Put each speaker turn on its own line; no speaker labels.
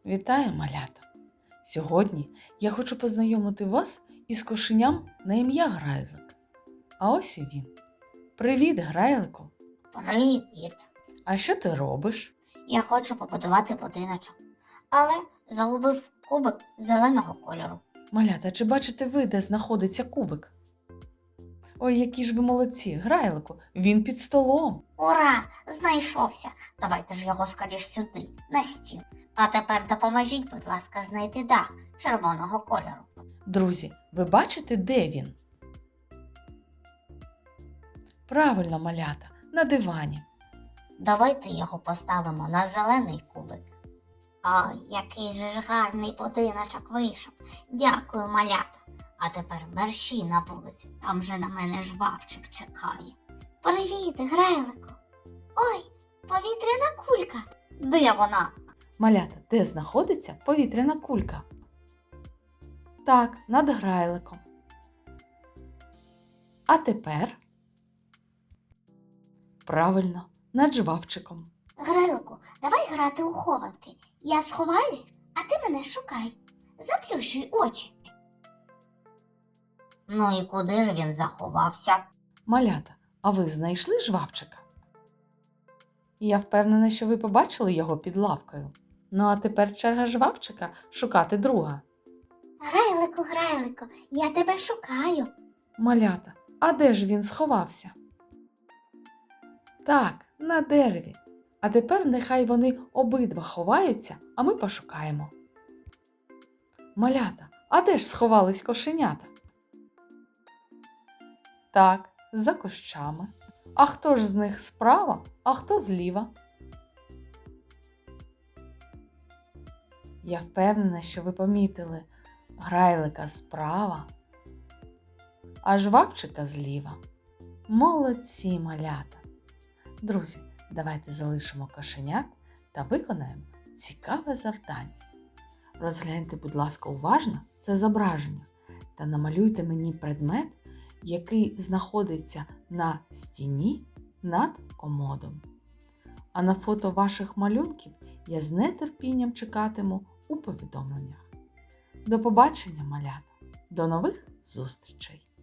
Вітаю, малята! Сьогодні я хочу познайомити вас із кошеням на ім'я Грайлик. А ось і він. Привіт, Грайлику!
Привіт!
А що ти робиш?
Я хочу побудувати будиночок, але загубив кубик зеленого кольору.
Малята, чи бачите ви, де знаходиться кубик? Ой, які ж ви молодці, Грайлику, він під столом.
Ура! Знайшовся! Давайте ж його скоріш сюди, на стіл. А тепер допоможіть, будь ласка, знайти дах червоного кольору.
Друзі, ви бачите, де він? Правильно, малята, на дивані.
Давайте його поставимо на зелений кубик. Ой, який же ж гарний будиночок вийшов. Дякую, малята. А тепер мерщій на вулиці, там же на мене жвавчик чекає. Привіт, Грайлику. Ой, повітряна кулька. Де вона?
Малята, де знаходиться повітряна кулька? Так, над Грайликом. А тепер? Правильно, над жвавчиком.
Грайлику, давай грати у хованки. Я сховаюсь, а ти мене шукай. Заплющуй очі. Ну і куди ж він заховався?
Малята, а ви знайшли жвавчика? Я впевнена, що ви побачили його під лавкою. Ну а тепер черга жвавчика шукати друга.
Грайлику, я тебе шукаю.
Малята, а де ж він сховався? Так, на дереві. А тепер нехай вони обидва ховаються, а ми пошукаємо. Малята, а де ж сховались кошенята? Так, за кущами. А хто ж з них справа, а хто зліва? Я впевнена, що ви помітили Грайлика справа, а жвавчика зліва. Молодці, малята! Друзі, давайте залишимо кошенят та виконаємо цікаве завдання. Розгляньте, будь ласка, уважно це зображення та намалюйте мені предмет, який знаходиться на стіні над комодом. А на фото ваших малюнків я з нетерпінням чекатиму у повідомленнях. До побачення, малята! До нових зустрічей!